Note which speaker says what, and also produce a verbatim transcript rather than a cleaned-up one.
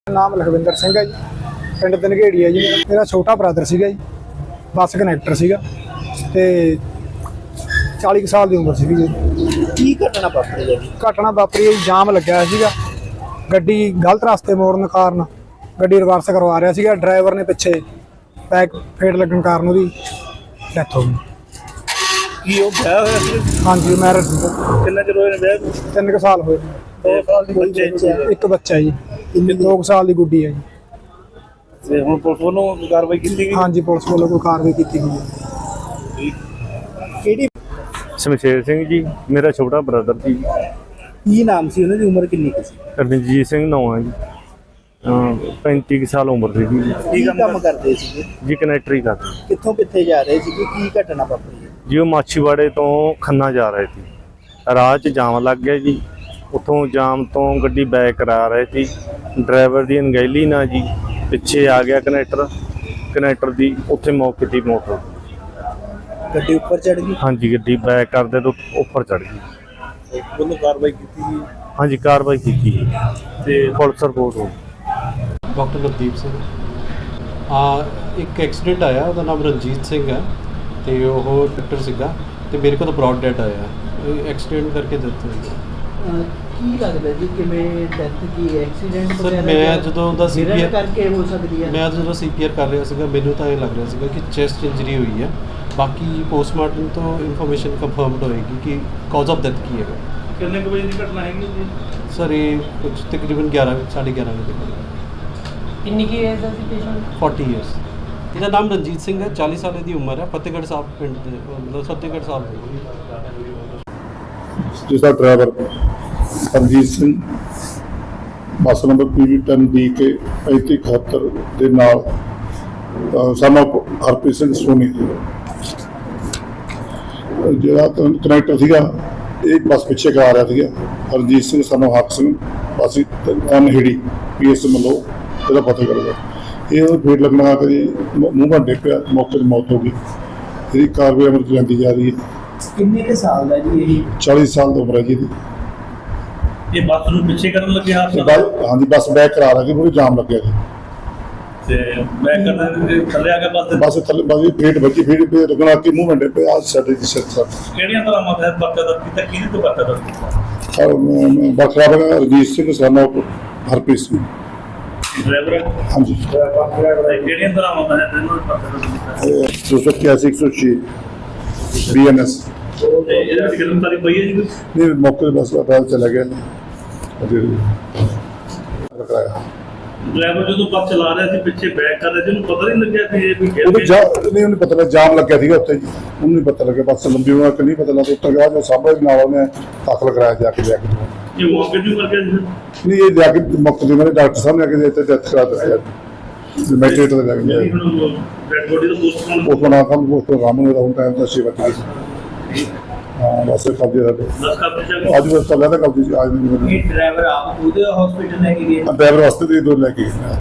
Speaker 1: ਨਾਮ ਲਖਵਿੰਦਰ ਸਿੰਘ ਹੈ ਜੀ, ਪਿੰਡ ਦਨਗੇੜੀ ਹੈ ਜੀ। ਮੇਰਾ ਛੋਟਾ ਬ੍ਰਦਰ ਸੀਗਾ ਜੀ, ਬੱਸ ਕਨੈਕਟਰ ਸੀਗਾ ਤੇ ਚਾਲੀ ਸਾਲ ਦੀ ਉਮਰ ਸੀਗੀ ਜੀ।
Speaker 2: ਕੀ ਘਟਨਾ ਵਾਪਰੀ ਹੈ ਜੀ?
Speaker 1: ਘਟਨਾ ਵਾਪਰੀ ਹੈ ਜੀ, ਜਾਮ ਲੱਗਿਆ ਸੀਗਾ, ਗੱਡੀ ਗਲਤ ਰਸਤੇ ਮੋੜਨ ਕਾਰਨ ਗੱਡੀ ਰਿਵਰਸ ਕਰਵਾ ਰਿਹਾ ਸੀਗਾ। ਡਰਾਈਵਰ ਨੇ ਪਿੱਛੇ ਬੈਕ ਫੇਟ ਲੱਗਣ ਕਾਰਨ ਉਹਦੀ ਡੈਥ ਹੋ ਗਈ।
Speaker 2: ਕੀ ਉਹ ਵਿਆਹ ਹੋਇਆ ਸੀ?
Speaker 1: ਹਾਂਜੀ, ਮੈਰਿਜ
Speaker 2: ਕਿੰਨਾ ਚਿਰ ਹੋਇਆ ਵਿਆਹ ਨੂੰ?
Speaker 1: ਤਿੰਨ ਕੁ ਸਾਲ ਹੋਏ।
Speaker 2: ਦੋ ਸਾਲ ਦੀ ਬੱਚੇ
Speaker 1: ਇੱਕ ਬੱਚਾ ਹੈ ਜੀ, ਦੋ ਕੁ ਸਾਲ ਦੀ ਗੁੱਡੀ ਹੈ ਜੀ।
Speaker 2: ਤੇ ਹੁਣ ਪੁਲਿਸ ਵੱਲੋਂ ਕਾਰਵਾਈ ਕੀਤੀ ਗਈ?
Speaker 1: ਹਾਂਜੀ, ਪੁਲਿਸ ਵੱਲੋਂ ਕੋਈ ਕਾਰਵਾਈ ਕੀਤੀ ਗਈ ਹੈ।
Speaker 2: ਕਿਹੜੀ?
Speaker 3: ਸ਼ਮਸ਼ੇਰ ਸਿੰਘ ਜੀ, ਮੇਰਾ ਛੋਟਾ ਬ੍ਰਦਰ ਜੀ।
Speaker 2: ਕੀ ਨਾਮ ਸੀ ਉਹਨਾਂ ਦੀ? ਉਮਰ ਕਿੰਨੀ ਕੁ ਸੀ?
Speaker 3: ਰਣਜੀਤ ਸਿੰਘ ਨਾਮ ਹੈ ਜੀ। ਪੈਂਤੀ ਕੁ ਸਾਲ ਉਮਰ ਸੀ ਜੀ।
Speaker 2: ਕੀ ਕੰਮ ਕਰਦੇ ਸੀਗੇ
Speaker 3: ਜੀ? ਕਨੈਕਟਰੀ ਕਰਦੇ।
Speaker 2: ਕਿੱਥੋਂ ਕਿੱਥੇ ਜਾ ਰਹੇ ਸੀਗੇ? ਕੀ ਘਟਨਾ ਵਾਪਰੀ ਹੈ
Speaker 3: ਜੀ? ਉਹ ਮਾਛੀਵਾੜੇ ਤੋਂ ਖੰਨਾ ਜਾ ਰਹੇ ਸੀ, ਰਾਹ 'ਚ ਜਾਮ ਲੱਗ ਗਿਆ ਜੀ। ਉੱਥੋਂ ਜਾਮ ਤੋਂ ਗੱਡੀ ਬੈਕ ਕਰਾ ਰਹੇ ਸੀ, ਡਰਾਈਵਰ ਦੀ ਅਣਗਹਿਲੀ ਨਾਲ ਜੀ ਪਿੱਛੇ ਆ ਗਿਆ ਕਨੈਕਟਰ ਕਨੈਕਟਰ ਦੀ ਉੱਥੇ ਮੌਕੇ ਦੀ ਮੌਤ।
Speaker 2: ਗੱਡੀ ਉੱਪਰ ਚੜ ਗਈ?
Speaker 3: ਹਾਂਜੀ, ਗੱਡੀ ਬੈਕ ਕਰਦੇ ਤੋਂ ਉੱਪਰ ਚੜ ਗਈ।
Speaker 2: ਉਹਨੂੰ ਕਾਰਵਾਈ ਕੀਤੀ ਗਈ?
Speaker 3: ਹਾਂਜੀ, ਕਾਰਵਾਈ ਕੀਤੀ ਜੀ ਤੇ ਪੁਲਿਸ ਰਿਪੋਰਟ ਹੋ ਗਈ।
Speaker 4: ਡਾਕਟਰ ਨਵਦੀਪ ਸਿੰਘ। ਆ ਇੱਕ ਐਕਸੀਡੈਂਟ ਆਇਆ, ਉਹਦਾ ਨਾਮ ਰਣਜੀਤ ਸਿੰਘ ਹੈ ਤੇ ਉਹ ਡਾਕਟਰ ਸੀਗਾ ਤੇ ਮੇਰੇ ਕੋਲ ਤਾਂ ਬ੍ਰੌਡ ਡੈਥ ਆਇਆ। ਇਹ ਐਕਸੀਡੈਂਟ ਕਰਕੇ ਡੈਥ ਹੋਈ।
Speaker 5: ਕੀ ਲੱਗਦਾ ਜੀ ਕਿਵੇਂ ਡੈਥ ਕੀ ਐਕਸੀਡੈਂਟ
Speaker 4: ਸਰ ਮੈਂ ਜਦੋਂ ਉਹਦਾ ਸੀਪੀਆਰ
Speaker 5: ਕਰਕੇ ਹੋ ਸਕਦੀ ਹੈ?
Speaker 4: ਮੈਂ ਜਦੋਂ ਸੀਪੀਆਰ ਕਰ ਰਿਹਾ ਸੀਗਾ ਮੈਨੂੰ ਤਾਂ ਇਹ ਲੱਗ ਰਿਹਾ ਸੀਗਾ ਕਿ ਚੈਸਟ ਇੰਜਰੀ ਹੋਈ ਹੈ। ਬਾਕੀ ਪੋਸਟਮਾਰਟਮ ਤੋਂ ਇਨਫੋਰਮੇਸ਼ਨ ਕੰਫਰਮਡ ਹੋਏਗੀ ਕਿ ਕਾਜ਼ ਆਫ ਡੈਥ ਕੀ ਹੈਗਾ।
Speaker 2: ਕਿੰਨੇ ਕੁ ਵਜੇ ਦੀ ਘਟਨਾ ਹੈਗੀ ਜੀ?
Speaker 4: ਸਰ ਇਹ ਕੁਝ ਤਕਰੀਬਨ ਗਿਆਰਾਂ ਸਾਢੇ ਗਿਆਰਾਂ ਵਜੇ ਤੱਕ।
Speaker 5: ਕਿੰਨੀ ਕੀ ਏਜ ਦਾ ਸੀ ਪੇਸ਼ੈਂਟ?
Speaker 4: ਚਾਲੀ ਇਅਰਸ। ਇਹਦਾ ਨਾਮ ਰਣਜੀਤ ਸਿੰਘ ਹੈ, ਚਾਲੀ ਸਾਲ ਦੀ ਉਮਰ ਹੈ, ਫਤਿਹਗੜ੍ਹ ਸਾਹਿਬ ਪਿੰਡ ਦੇ, ਮਤਲਬ ਫਤਿਹਗੜ੍ਹ ਸਾਹਿਬ ਦੇ।
Speaker 6: ਜਿਸਦਾ driver Ranjit Singh bus number P V ਦਸ ਡੀ ਕੇ ਪੈਂਤੀ ਇਕਹੱਤਰ ਦੇ ਨਾਲ ਸਾਨੂੰ ਹਰਪ੍ਰੀਤ ਸਿੰਘ ਸੋਨੀ ਜਿਹੜਾ ਕਨੈਕਟਰ ਸੀਗਾ, ਇਹ ਬੱਸ ਪਿੱਛੇ ਕਰਾ ਰਿਹਾ ਸੀਗਾ। ਰਣਜੀਤ ਸਿੰਘ ਸਾਨੂੰ ਹੱਕ ਸਿੰਘ ਅਸੀਂ ਅਨਹਿੜੀ ਪੀ ਐਸ ਮਲੋ ਇਹਦਾ ਪਤਾ ਕਰਦਾ। ਇਹ ਫੇਟ ਲੱਗਣਾ ਕਰੀ ਮੂੰਹ ਭੰਡੇ ਪਿਆ, ਮੌਕੇ ਤੇ ਮੌਤ ਹੋ ਗਈ। ਇਹਦੀ ਕਾਰਵਾਈ ਅਮਲ ਚ ਜਾਂਦੀ ਜਾ ਰਹੀ ਹੈ।
Speaker 5: ਕਿੰਨੇ ਕੁ ਸਾਲ ਦਾ ਜੀ ਇਹ?
Speaker 6: ਚਾਲੀ ਸਾਲ ਦੀ ਉਮਰ ਹੈ ਜੀ ਇਹਦੀ।
Speaker 2: ਇਹ ਬੱਸ ਨੂੰ ਪਿੱਛੇ ਕਰਨ ਲੱਗੇ ਹਾਂ?
Speaker 6: ਹਾਂਜੀ, ਬੱਸ ਬੈਕ ਕਰਾ ਰਹੀ ਪੂਰੀ ਜਾਮ ਲੱਗਿਆ ਜੀ
Speaker 2: ਤੇ ਬੈਕ ਕਰਨ ਥੱਲੇ ਆ ਕੇ ਬੱਸ
Speaker 6: ਬੱਸ ਥੱਲੇ ਬੱਸ ਫੇਟ ਵੱਜੀ, ਫੇਟ ਪੇ ਰਗਣਾ ਕੇ ਮੂੰਹ ਮੰਡੇ ਪੇ ਆ ਸਾਡੇ ਦੀ ਸਿਰ ਸਰ।
Speaker 2: ਕਿਹੜੀਆਂ ਤਰ੍ਹਾਂ ਮਤ ਬੱਕਾ ਦਾ ਕੀਤਾ? ਕਿਹਦੇ ਤੋਂ ਬੱਕਾ ਦਾ ਕੀਤਾ?
Speaker 6: ਔਰ ਬਖਰਾ ਬਗਾ ਰਜੀਤ ਸਿੰਘ ਸਾਨੂੰ ਹਰਪ੍ਰੀਤ ਸਿੰਘ
Speaker 2: ਡਰਾਈਵਰ?
Speaker 6: ਹਾਂਜੀ।
Speaker 2: ਕਿਹੜੀਆਂ ਤਰ੍ਹਾਂ ਮਤ ਹੈ ਤੈਨੂੰ ਬੱਕਾ ਦਾ ਕੀਤਾ?
Speaker 6: ਦੋ ਸੌ ਇਕਿਆਸੀ ਇੱਕ ਸੌ ਛੇ ਬੀ ਐਨ ਐਸ।
Speaker 2: ਤੇ ਇਹਦੇ ਵਿੱਚ ਗ੍ਰਿਫਤਾਰੀ ਪਈ ਹੈ ਜੀ?
Speaker 6: ਨਹੀਂ, ਮੌਕੇ ਤੇ ਬੱਸ ਦਾ ਚਲਾ ਗਿਆ ਰਖਾਇਆ।
Speaker 2: ਡਰਾਈਵਰ ਜਦੋਂ ਬੱਸ ਚਲਾ ਰਿਹਾ ਸੀ ਪਿੱਛੇ ਬੈਕ ਕਰ ਰਿਹਾ ਸੀ, ਉਹਨੂੰ ਪਤਾ ਨਹੀਂ ਲੱਗਿਆ ਕਿ ਇਹ ਵੀ
Speaker 6: ਉਹਨੂੰ ਜਾ ਨਹੀਂ ਉਹਨੂੰ ਪਤਾ ਲੱਗਾ ਜਾਮ ਲੱਗਿਆ ਸੀਗਾ ਉੱਥੇ ਜੀ। ਉਹਨੂੰ ਨਹੀਂ ਪਤਾ ਲੱਗਿਆ, ਬੱਸ ਲੰਬੀ ਹੋਣਾ ਕਿ ਨਹੀਂ ਪਤਾ ਲੱਗਾ। ਉੱਤਰ ਗਿਆ ਜੋ ਸਾਹਮਣੇ ਨਾਲ ਉਹਨੇ ਦਾਖਲ ਕਰਾਇਆ ਜਾ ਕੇ ਜਾ ਕੇ।
Speaker 2: ਇਹ ਮੌਕੇ ਤੇ ਮਰ ਗਿਆ ਜੀ?
Speaker 6: ਨਹੀਂ, ਇਹ ਜਾ ਕੇ ਮੌਕੇ ਤੇ ਮੇਰੇ ਡਾਕਟਰ ਸਾਹਿਬ ਨੇ ਆ ਕੇ ਇੱਥੇ ਡੈਥ ਕਰਾ ਦਿੱਤੀ। ਮੈਟਰੇਟ ਤੇ ਲੱਗ ਗਿਆ।
Speaker 2: ਡੈਡ ਬੋਡੀ ਦਾ ਪੋਸਟਮਾਰਟਮ
Speaker 6: ਉਸ ਬਣਾ ਕੰਮ ਉਸ ਪ੍ਰੋਗਰਾਮ ਨੂੰ ਰਾਉਂਡ ਟਾਈਮ ਦਾ ਸੇਵਾ ਕੀਤੀ। ਹਾਂ, ਬਸ ਕਬਜ਼ੇ ਦਾ
Speaker 2: ਦਸ ਕਾਪੀ
Speaker 6: ਅੱਜ ਬਸ ਚੱਲਿਆ ਤਾਂ ਕਬਜ਼ੇ ਅੱਜ ਨਹੀਂ।
Speaker 5: ਇਹ ਡਰਾਈਵਰ ਆਪ ਉਹਦੇ ਹਸਪੀਟਲ ਲੈ ਕੇ ਗਏ?
Speaker 6: ਡਰਾਈਵਰ ਵਾਸਤੇ ਦੇ ਦੋ ਲੈ ਕੇ